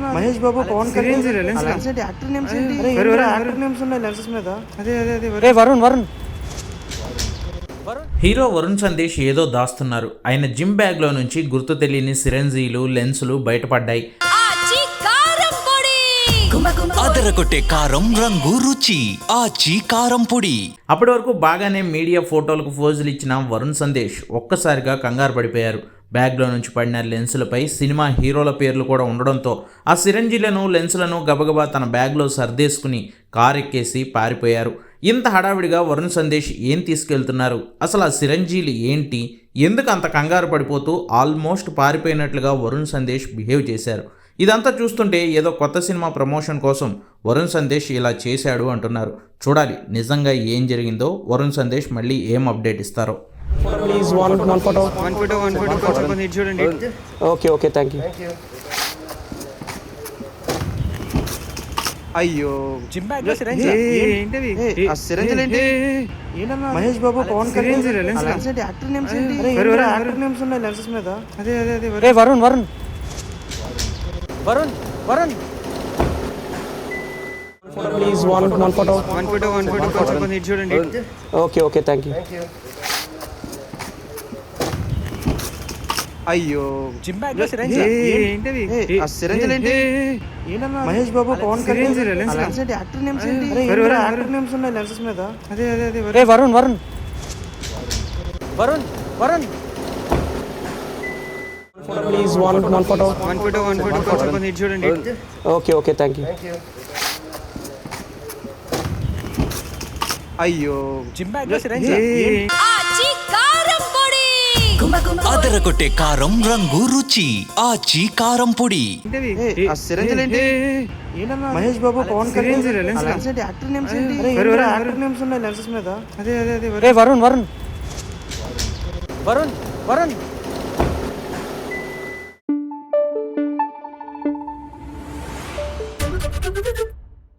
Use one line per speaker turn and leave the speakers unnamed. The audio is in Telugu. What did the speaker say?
మహేష్ బాబు పవన్ కళ్యాణ్ యాక్టర్ నేమ్స్ ఏంటి యాక్టర్ నేమ్స్ ఉన్నాయి లెన్సెస్ మీద అదే వరుణ్
హీరో వరుణ్ సందేశ్ ఏదో దాస్తున్నారు. ఆయన జిమ్ బ్యాగ్ లో నుంచి గుర్తు తెలియని సిరంజీలు లెన్సులు బయటపడ్డాయి.
అదరగొట్టే కారం రంగు రుచి ఆచి కారం పొడి.
అప్పటి వరకు బాగానే మీడియా ఫోటోలకు ఫోజులు ఇచ్చిన వరుణ్ సందేశ్ ఒక్కసారిగా కంగారు పడిపోయారు. బ్యాగ్లో నుంచి పడిన లెన్సులపై సినిమా హీరోల పేర్లు కూడా ఉండడంతో ఆ సిరంజీలను లెన్సులను గబగబా తన బ్యాగ్లో సర్దేసుకుని కారు ఎక్కేసి పారిపోయారు. ఇంత హడావిడిగా వరుణ్ సందేశ్ ఏం తీసుకెళ్తున్నారు, అసలు ఆ సిరంజీలు ఏంటి, ఎందుకు అంత కంగారు పడిపోతూ ఆల్మోస్ట్ పారిపోయినట్లుగా వరుణ్ సందేశ్ బిహేవ్ చేశారు. ఇదంతా చూస్తుంటే ఏదో కొత్త సినిమా ప్రమోషన్ కోసం వరుణ్ సందేశ్ ఇలా చేశాడు అంటున్నారు. చూడాలి నిజంగా ఏం జరిగిందో, వరుణ్ సందేశ్ మళ్ళీ ఏం అప్డేట్ ఇస్తారో.
ప్లీజ్ వన్ ఫోటో చూడండి. Okay thank you. అయ్యో జిమ్ బ్యాగ్ లో సిరంజి ఏంటిది? ఆ సిరంజిలు ఏంటి? ఏంటన్నా మహేష్ బాబు పవన్ కళ్యాణ్ యాక్టర్ నేమ్స్ ఏంటి? యాక్టర్ నేమ్స్ ఉన్నాయి లెన్సెస్ మీద అదే వరుణ్ ప్లీజ్ వన్ ఫోటో చూడండి. Okay thank you. అయ్యో జిమ్ బ్యాగ్ లో సిరంజి ఏంటిది? ఆ సిరంజిలు ఏంటి? ఏంటన్నా మహేష్ బాబు పవన్ కళ్యాణ్ యాక్టర్ నేమ్స్ ఏంటి? యాక్టర్ నేమ్స్ ఉన్నాయి లెన్సెస్ మీద అదే వరుణ్ ప్లీజ్ వన్ ఫోటో చూడండి. Okay thank you. అయ్యో జిమ్ బ్యాగ్ లో సిరంజి
అదరగొట్టే కారం రంగు రుచి ఆచి కారం పొడి.
ఆ సిరంజిలు ఏంటి? ఏంటన్నా మహేష్ బాబు పవన్ కళ్యాణ్ యాక్టర్ నేమ్స్ ఏంటి? యాక్టర్ నేమ్స్ ఉన్నాయి లెన్సెస్ మీద అదే వరుణ్